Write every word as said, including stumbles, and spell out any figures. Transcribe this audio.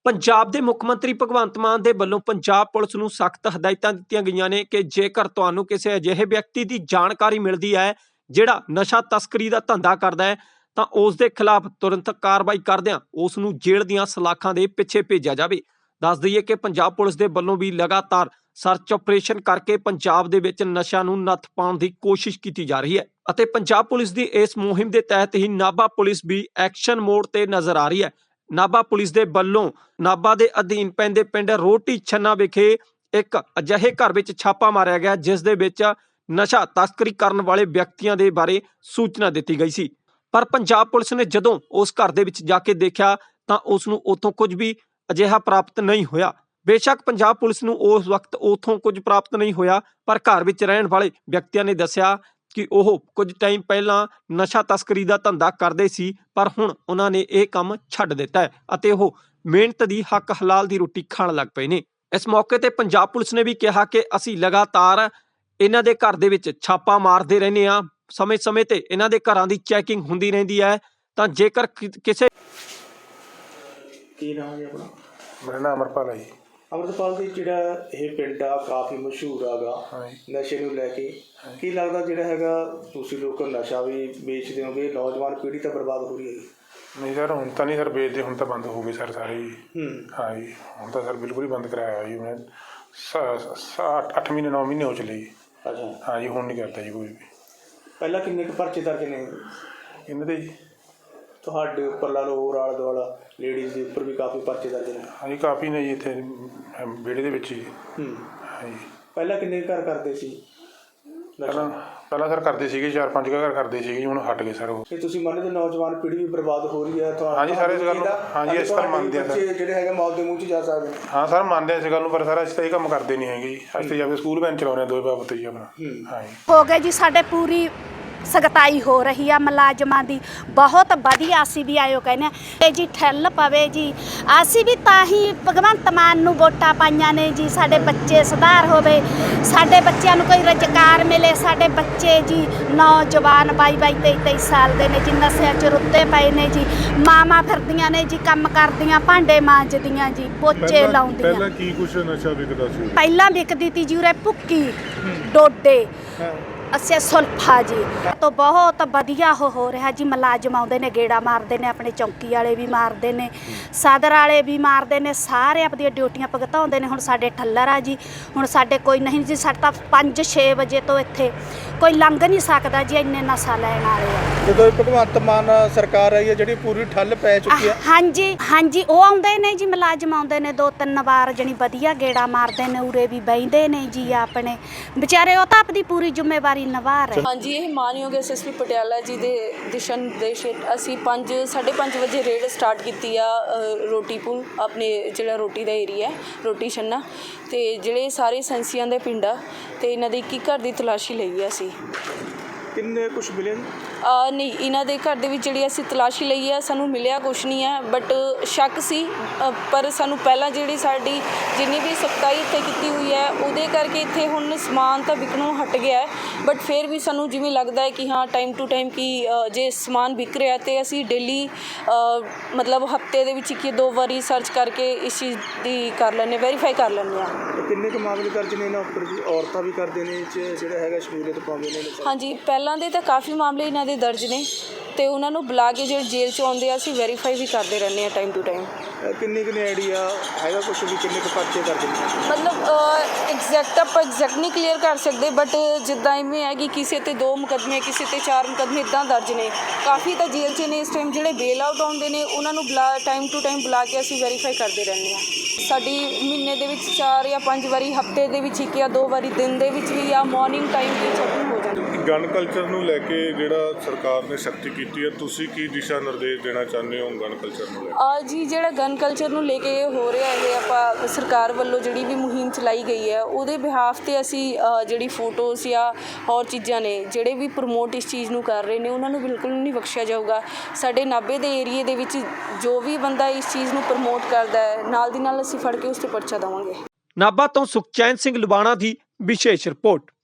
ਪੰਜਾਬ ਦੇ ਮੁੱਖ ਮੰਤਰੀ ਭਗਵੰਤ ਮਾਨ ਦੇ ਵੱਲੋਂ ਪੰਜਾਬ ਪੁਲਿਸ ਨੂੰ ਸਖਤ ਹਦਾਇਤਾਂ ਦਿੱਤੀਆਂ ਗਈਆਂ ਨੇ ਕਿ ਜੇਕਰ ਤੁਹਾਨੂੰ ਕਿਸੇ ਅਜਿਹੇ ਵਿਅਕਤੀ ਦੀ ਜਾਣਕਾਰੀ ਮਿਲਦੀ ਹੈ ਜਿਹੜਾ ਨਸ਼ਾ ਤਸਕਰੀ ਦਾ ਧੰਦਾ ਕਰਦਾ ਹੈ ਤਾਂ ਉਸ ਦੇ ਖਿਲਾਫ ਤੁਰੰਤ ਕਾਰਵਾਈ ਕਰਦਿਆਂ ਉਸ ਨੂੰ ਜੇਲ੍ਹ ਦੀਆਂ ਸਲਾਖਾਂ ਦੇ ਪਿੱਛੇ ਭੇਜਿਆ ਜਾਵੇ। ਦੱਸ ਦਈਏ ਕਿ ਪੰਜਾਬ ਪੁਲਿਸ ਦੇ ਵੱਲੋਂ ਵੀ ਲਗਾਤਾਰ ਸਰਚ ਆਪਰੇਸ਼ਨ ਕਰਕੇ ਪੰਜਾਬ ਦੇ ਵਿੱਚ ਨਸ਼ਾ ਨੂੰ ਨੱਥ ਪਾਉਣ ਦੀ ਕੋਸ਼ਿਸ਼ ਕੀਤੀ ਜਾ ਰਹੀ ਹੈ ਅਤੇ ਪੰਜਾਬ ਪੁਲਿਸ ਦੀ ਇਸ ਮੁਹਿੰਮ ਦੇ ਤਹਿਤ ਹੀ ਨਾਭਾ ਪੁਲਿਸ ਵੀ ਐਕਸ਼ਨ ਮੋਡ ਤੇ ਨਜ਼ਰ ਆ ਰਹੀ ਹੈ। ਨਾਭਾ ਪੁਲਿਸ ਦੇ ਵੱਲੋਂ ਨਾਭਾ ਦੇ ਅਧੀਨ ਪੈਂਦੇ ਪਿੰਡ ਰੋਟੀ ਛੰਨਾ ਵਿਖੇ ਇੱਕ ਅਜਿਹੇ ਘਰ ਵਿੱਚ ਛਾਪਾ ਮਾਰਿਆ ਗਿਆ ਜਿਸ ਦੇ ਵਿੱਚ ਨਸ਼ਾ ਤਸਕਰੀ ਕਰਨ ਵਾਲੇ ਵਿਅਕਤੀਆਂ ਦੇ ਬਾਰੇ ਸੂਚਨਾ ਦਿੱਤੀ ਗਈ ਸੀ। ਪਰ ਪੰਜਾਬ ਪੁਲਿਸ ਨੇ ਜਦੋਂ ਉਸ ਘਰ ਦੇ ਵਿੱਚ ਜਾ ਕੇ ਦੇਖਿਆ ਤਾਂ ਉਸ ਨੂੰ ਉੱਥੋਂ ਕੁਝ ਵੀ ਅਜਿਹਾ ਪ੍ਰਾਪਤ ਨਹੀਂ ਹੋਇਆ। ਬੇਸ਼ੱਕ ਪੰਜਾਬ ਪੁਲਿਸ ਨੂੰ ਉਸ ਵਕਤ ਉੱਥੋਂ ਕੁਝ ਪ੍ਰਾਪਤ ਨਹੀਂ ਹੋਇਆ, ਪਰ ਘਰ ਵਿੱਚ ਰਹਿਣ ਵਾਲੇ ਵਿਅਕਤੀਆਂ ਨੇ ਦੱਸਿਆ ਕਿ ਉਹ ਕੁਝ ਟਾਈਮ ਪਹਿਲਾਂ ਨਸ਼ਾ ਤਸਕਰੀ ਦਾ ਧੰਦਾ ਕਰਦੇ ਸੀ, ਪਰ ਹੁਣ ਉਹਨਾਂ ਨੇ ਇਹ ਕੰਮ ਛੱਡ ਦਿੱਤਾ ਹੈ ਅਤੇ ਉਹ ਮਿਹਨਤ ਦੀ ਹੱਕ ਹਲਾਲ ਦੀ ਰੋਟੀ ਖਾਣ ਲੱਗ ਪਏ ਨੇ। ਇਸ ਮੌਕੇ ਤੇ ਪੰਜਾਬ ਪੁਲਿਸ ਨੇ ਵੀ ਕਿਹਾ ਕਿ ਅਸੀਂ ਲਗਾਤਾਰ ਇਹਨਾਂ ਦੇ ਘਰ ਦੇ ਵਿੱਚ ਛਾਪਾ ਮਾਰਦੇ ਰਹਿੰਦੇ ਹਾਂ, ਸਮੇਂ-ਸਮੇਂ ਤੇ ਇਹਨਾਂ ਦੇ ਘਰਾਂ ਦੀ ਚੈਕਿੰਗ ਹੁੰਦੀ ਰਹਿੰਦੀ ਹੈ। ਤਾਂ ਜੇਕਰ ਕਿਸੇ ਕੀ ਨਾਮ ਹੈ ਆਪਣਾ? ਮੇਰਾ ਨਾਮ ਅਮਰਪਾਲ ਹੈ ਜੀ। ਅਮਰਪਾਲ ਜੀ, ਜਿਹੜਾ ਇਹ ਪਿੰਡ ਆ ਕਾਫੀ ਮਸ਼ਹੂਰ ਹੈਗਾ ਨਸ਼ੇ ਨੂੰ ਲੈ ਕੇ, ਕੀ ਲੱਗਦਾ ਜਿਹੜਾ ਹੈਗਾ ਤੁਸੀਂ ਲੋਕ ਨਸ਼ਾ ਵੀ ਵੇਚਦੇ ਹੋਗੇ, ਨੌਜਵਾਨ ਪੀੜ੍ਹੀ ਤਾਂ ਬਰਬਾਦ ਹੋ ਰਹੀ ਹੈ ਜੀ? ਨਹੀਂ ਸਰ, ਹੁਣ ਤਾਂ ਨਹੀਂ ਸਰ ਵੇਚਦੇ, ਹੁਣ ਤਾਂ ਬੰਦ ਹੋ ਗਏ ਸਰ ਸਾਰੇ ਜੀ। ਹੂੰ ਹਾਂ ਜੀ, ਹੁਣ ਤਾਂ ਸਰ ਬਿਲਕੁਲ ਹੀ ਬੰਦ ਕਰਾਇਆ ਜੀ ਮੈਂ ਅੱਠ ਮਹੀਨੇ ਨੌ ਮਹੀਨੇ ਹੋ ਚਲੇ ਜੀ। ਅੱਛਾ। ਹਾਂ ਜੀ, ਹੁਣ ਨਹੀਂ ਕਰਦਾ ਜੀ ਕੋਈ ਵੀ। ਪਹਿਲਾਂ ਕਿੰਨੇ ਕੁ ਪਰਚੇ ਦਰਜ ਨੇ ਇਹਨਾਂ ਦੇ ਜੀ? ਤੁਹਾਡੇ ਉੱਪਰ ਲਾ ਲਓ, ਹੋਰ ਆਲਾ ਦੁਆਲਾ ਲੇਡੀਜ਼ ਦੇ ਉੱਪਰ ਵੀ ਕਾਫੀ ਪਰਚੇ ਦਰਜ ਨੇ? ਹਾਂ ਜੀ, ਕਾਫੀ ਨੇ ਜੀ ਇੱਥੇ ਵਿਹੜੇ ਦੇ ਵਿੱਚ ਜੀ। ਹੂੰ ਹਾਂ ਜੀ। ਪਹਿਲਾਂ ਕਿੰਨੇ ਘਰ ਕਰਦੇ ਸੀ? ਪਹਿਲਾਂ ਪਹਿਲਾਂ ਸਰ ਕਰਦੇ ਸੀਗੇ, ਚਾਰ ਪੰਜ ਘਰ ਕਰਦੇ ਸੀਗੇ ਜੀ, ਹੁਣ ਹਟ ਗਏ ਸਰ ਉਹ। ਕਿ ਤੁਸੀਂ ਮੰਨਦੇ ਨੌਜਵਾਨ ਪੀੜ੍ਹੀ ਵੀ ਬਰਬਾਦ ਹੋ ਰਹੀ ਹੈ? ਹਾਂ ਜੀ ਸਰ, ਇਸ ਗੱਲ ਨੂੰ ਹਾਂ ਜੀ ਇਸ ਤਰ੍ਹਾਂ ਮੰਨਦੇ ਆ ਸਰ। ਜਿਹੜੇ ਹੈਗੇ ਮੌਤ ਦੇ ਮੂੰਹ 'ਚ ਜਾ ਸਕਦੇ? ਹਾਂ ਸਰ, ਮੰਨਦੇ ਆ ਇਸ ਗੱਲ ਨੂੰ, ਪਰ ਸਰ ਅਸੀਂ ਤਾਂ ਇਹ ਕੰਮ ਕਰਦੇ ਨਹੀਂ ਹੈਗੇ ਜੀ। ਅਸੀਂ ਤਾਂ ਜਾ ਕੇ ਸਕੂਲ ਵੈਨ ਚਲਾਉਂਦੇ ਹਾਂ ਦੋਵੇਂ ਬਾਬਤ ਜੀ ਆਪਣਾ। ਹਾਂ ਜੀ, ਹੋ ਗਏ ਜੀ ਸਾਡੇ ਪੂਰੀ ਸਖਤਾਈ ਹੋ ਰਹੀ ਆ ਮੁਲਾਜ਼ਮਾਂ ਦੀ, ਬਹੁਤ ਵਧੀਆ। ਅਸੀਂ ਵੀ ਆਇਓ ਕਹਿੰਦੇ ਤੇ ਜੀ ਠੱਲ ਪਵੇ ਜੀ, ਅਸੀਂ ਵੀ ਤਾਂ ਹੀ ਭਗਵੰਤ ਮਾਨ ਨੂੰ ਵੋਟਾਂ ਪਾਈਆਂ ਨੇ ਜੀ। ਸਾਡੇ ਬੱਚੇ ਸੁਧਾਰ ਹੋਵੇ, ਸਾਡੇ ਬੱਚਿਆਂ ਨੂੰ ਕੋਈ ਰੁਜ਼ਗਾਰ ਮਿਲੇ। ਸਾਡੇ ਬੱਚੇ ਜੀ ਨੌਜਵਾਨ ਬਾਈ ਬਾਈ ਤੇਈ ਤੇਈ ਸਾਲ ਦੇ ਨੇ ਜੀ, ਨਸ਼ਿਆਂ 'ਚ ਰੁੱਤੇ ਪਏ ਨੇ ਜੀ। ਮਾਵਾਂ ਫਿਰਦੀਆਂ ਨੇ ਜੀ, ਕੰਮ ਕਰਦੀਆਂ, ਭਾਂਡੇ ਮਾਂਜਦੀਆਂ ਜੀ, ਪੋਚੇ ਲਾਉਂਦੀਆਂ। ਪਹਿਲਾਂ ਕੀ ਕੁਛ ਨਸ਼ਾ ਵਿਕਦਾ ਸੀ? ਪਹਿਲਾਂ ਵਿਕਦੀ ਤੀ ਜੀ ਉਰੇ ਭੁੱਕੀ, ਡੋਡੇ, ਅੱਛਾ ਸੁਲਫਾ ਜੀ। ਤੋਂ ਬਹੁਤ ਵਧੀਆ ਉਹ ਹੋ ਰਿਹਾ ਜੀ। ਮੁਲਾਜ਼ਮ ਆਉਂਦੇ ਨੇ, ਗੇੜਾ ਮਾਰਦੇ ਨੇ, ਆਪਣੇ ਚੌਂਕੀ ਵਾਲੇ ਵੀ ਮਾਰਦੇ ਨੇ, ਸਦਰ ਵਾਲੇ ਵੀ ਮਾਰਦੇ ਨੇ, ਸਾਰੇ ਆਪਣੀਆਂ ਡਿਊਟੀਆਂ ਭੁਗਤਾਉਂਦੇ ਨੇ। ਹੁਣ ਸਾਡੇ ਠੱਲਰ ਆ ਜੀ, ਹੁਣ ਸਾਡੇ ਕੋਈ ਨਹੀਂ ਜੀ। ਸਾਡੇ ਤਾਂ ਪੰਜ ਛੇ ਵਜੇ ਤੋਂ ਇੱਥੇ ਕੋਈ ਲੰਘ ਨਹੀਂ ਸਕਦਾ ਜੀ, ਇੰਨੇ ਨਸ਼ਾ ਲੈਣ ਵਾਲੇ ਆ। ਜਦੋਂ ਭਗਵੰਤ ਮਾਨ ਸਰਕਾਰ ਆਈ ਹੈ ਜਿਹੜੀ ਪੂਰੀ ਠੱਲ ਪੈ ਚੁੱਕੀ ਹੈ? ਹਾਂਜੀ ਹਾਂਜੀ, ਉਹ ਆਉਂਦੇ ਨੇ ਜੀ, ਮੁਲਾਜ਼ਮ ਆਉਂਦੇ ਨੇ ਦੋ ਤਿੰਨ ਵਾਰ, ਜਣੀ ਵਧੀਆ ਗੇੜਾ ਮਾਰਦੇ ਨੇ, ਉਰੇ ਵੀ ਬਹਿੰਦੇ ਨੇ ਜੀ ਆਪਣੇ ਵਿਚਾਰੇ। ਉਹ ਤਾਂ ਆਪਣੀ ਪੂਰੀ ਜ਼ਿੰਮੇਵਾਰੀ ਨਿਭਾ ਰਹੇ। ਹਾਂਜੀ, ਇਹ ਮਾਨਯੋਗ ਐਸ ਐਸ ਪੀ ਪਟਿਆਲਾ ਜੀ ਦੇ ਦਿਸ਼ਾ ਨਿਰਦੇਸ਼ ਹੇਠ ਅਸੀਂ ਪੰਜ ਸਾਢੇ ਪੰਜ ਵਜੇ ਰੇਡ ਸਟਾਰਟ ਕੀਤੀ ਆ ਰੋਟੀ ਪੁਲ, ਆਪਣੇ ਜਿਹੜਾ ਰੋਟੀ ਦਾ ਏਰੀਆ ਰੋਟੀ ਛੰਨਾ, ਅਤੇ ਜਿਹੜੇ ਸਾਰੇ ਸੰਸੀਆਂ ਦੇ ਪਿੰਡ ਆ, ਅਤੇ ਇਹਨਾਂ ਦੇ ਇੱਕ ਇੱਕ ਘਰ ਦੀ ਤਲਾਸ਼ੀ ਲਈ ਆ ਅਸੀਂ। ਕਿੰਨੇ ਕੁਛ ਮਿਲੇ? ਨਹੀਂ, ਇਹਨਾਂ ਦੇ ਘਰ ਦੇ ਵਿੱਚ ਜਿਹੜੀ ਅਸੀਂ ਤਲਾਸ਼ੀ ਲਈ ਆ, ਸਾਨੂੰ ਮਿਲਿਆ ਕੁਛ ਨਹੀਂ ਹੈ, ਬਟ ਸ਼ੱਕ ਸੀ। ਪਰ ਸਾਨੂੰ ਪਹਿਲਾਂ ਜਿਹੜੀ ਸਾਡੀ ਜਿੰਨੀ ਵੀ ਸਖਤਾਈ ਇੱਥੇ ਕੀਤੀ ਹੋਈ ਹੈ ਉਹਦੇ ਕਰਕੇ ਇੱਥੇ ਹੁਣ ਸਮਾਨ ਤਾਂ ਵਿਕਣੋਂ ਹਟ ਗਿਆ ਹੈ, ਬਟ ਫਿਰ ਵੀ ਸਾਨੂੰ ਜਿਵੇਂ ਲੱਗਦਾ ਹੈ ਕਿ ਹਾਂ ਟਾਈਮ ਟੂ ਟਾਈਮ ਕਿ ਜੇ ਸਮਾਨ ਵਿਕ ਰਿਹਾ ਤਾਂ ਅਸੀਂ ਡੇਲੀ ਮਤਲਬ ਹਫਤੇ ਦੇ ਵਿੱਚ ਇੱਕ ਦੋ ਵਾਰੀ ਸਰਚ ਕਰਕੇ ਇਸ ਚੀਜ਼ ਦੀ ਕਰ ਲੈਂਦੇ, ਵੈਰੀਫਾਈ ਕਰ ਲੈਂਦੇ ਹਾਂ। ਕਿੰਨੇ ਕੁ ਮਾਮਲੇ ਦਰਜ ਨੇ ਇਹਨਾਂ ਉੱਪਰ ਜੀ? ਔਰਤਾਂ ਵੀ ਕਰਦੇ ਨੇ ਜਿਹੜਾ ਹੈਗਾ ਸ਼ਮੂਲੀਅਤ ਪਾਉਂਦੇ ਨੇ? ਹਾਂਜੀ, ਪਹਿਲਾਂ ਦੇ ਤਾਂ ਕਾਫੀ ਮਾਮਲੇ ਇਹਨਾਂ ਦੇ ਦਰਜ ਨੇ, ਅਤੇ ਉਹਨਾਂ ਨੂੰ ਬੁਲਾ ਕੇ ਜਿਹੜੇ ਜੇਲ੍ਹ 'ਚ ਆਉਂਦੇ ਆ ਅਸੀਂ ਵੈਰੀਫਾਈ ਵੀ ਕਰਦੇ ਰਹਿੰਦੇ ਹਾਂ ਟਾਈਮ ਟੂ ਟਾਈਮ। ਕਿੰਨੀ ਕਿੰਨੀ ਆਈਡੀਆ ਹੈਗਾ ਕੁਛ ਵੀ ਕਿੰਨੇ ਕੁ ਪਰਚੇ ਦਰਜ ਨੇ? ਮਤਲਬ ਐਗਜ਼ੈਕਟ ਆਪਾਂ ਐਗਜ਼ੈਕਟ ਨਹੀਂ ਕਲੀਅਰ ਕਰ ਸਕਦੇ, ਬਟ ਜਿੱਦਾਂ ਇਵੇਂ ਹੈ ਕਿ ਕਿਸੇ 'ਤੇ ਦੋ ਮੁਕੱਦਮੇ, ਕਿਸੇ 'ਤੇ ਚਾਰ ਮੁਕੱਦਮੇ ਇੱਦਾਂ ਦਰਜ ਨੇ। ਕਾਫੀ ਤਾਂ ਜੇਲ੍ਹ 'ਚ ਨੇ ਇਸ ਟਾਈਮ। ਜਿਹੜੇ ਬੇਲ ਆਊਟ ਆਉਂਦੇ ਨੇ ਉਹਨਾਂ ਨੂੰ ਬੁਲਾ ਟਾਈਮ ਟੂ ਟਾਈਮ ਬੁਲਾ ਕੇ ਅਸੀਂ ਵੈਰੀਫਾਈ ਕਰਦੇ ਰਹਿੰਦੇ ਹਾਂ। ਸਾਡੀ ਮਹੀਨੇ ਦੇ ਵਿੱਚ ਚਾਰ ਜਾਂ ਪੰਜ ਵਾਰੀ, ਹਫਤੇ ਦੇ ਵਿੱਚ ਇੱਕ ਜਾਂ ਦੋ ਵਾਰੀ, ਦਿਨ ਦੇ ਵਿੱਚ ਵੀ ਜਾਂ ਮੋਰਨਿੰਗ ਟਾਈਮ ਵੀ ਚੈਕਿੰਗ ਹੋ ਜਾਂਦੀ। ਗਨ ਕਲਚਰ ਨੂੰ ਲੈ ਕੇ ਜਿਹੜਾ ਸਰਕਾਰ ਨੇ ਸਖਤੀ ਕੀਤੀ ਹੈ, ਤੁਸੀਂ ਕੀ ਦਿਸ਼ਾ ਨਿਰਦੇਸ਼ ਦੇਣਾ ਚਾਹੁੰਦੇ ਹੋ ਗਨ ਕਲਚਰ ਨੂੰ ਲੈ ਕੇ? ਜੀ, ਜਿਹੜਾ ਗਨ ਕਲਚਰ ਨੂੰ ਲੈ ਕੇ ਹੋ ਰਿਹਾ ਇਹ ਆਪਾਂ ਸਰਕਾਰ ਵੱਲੋਂ ਜਿਹੜੀ ਵੀ ਮੁਹਿੰਮ ਚਲਾਈ ਗਈ ਹੈ ਉਹਦੇ ਬਿਹਾਫ 'ਤੇ ਅਸੀਂ ਜਿਹੜੀ ਫੋਟੋਜ਼ ਜਾਂ ਹੋਰ ਚੀਜ਼ਾਂ ਨੇ ਜਿਹੜੇ ਵੀ ਪ੍ਰਮੋਟ ਇਸ ਚੀਜ਼ ਨੂੰ ਕਰ ਰਹੇ ਨੇ ਉਹਨਾਂ ਨੂੰ ਬਿਲਕੁਲ ਨਹੀਂ ਬਖਸ਼ਿਆ ਜਾਊਗਾ। ਸਾਡੇ ਨਾਭੇ ਦੇ ਏਰੀਏ ਦੇ ਵਿੱਚ ਜੋ ਵੀ ਬੰਦਾ ਇਸ ਚੀਜ਼ ਨੂੰ ਪ੍ਰਮੋਟ ਕਰਦਾ ਹੈ, ਨਾਲ ਦੀ ਨਾਲ ਅਸੀਂ ਫੜ ਕੇ ਉਸ 'ਤੇ ਪਰਚਾ ਦੇਵਾਂਗੇ। ਨਾਭਾ ਤੋਂ ਸੁਖਚੈਨ ਸਿੰਘ ਲੁਬਾਣਾ ਦੀ ਵਿਸ਼ੇਸ਼ ਰਿਪੋਰਟ।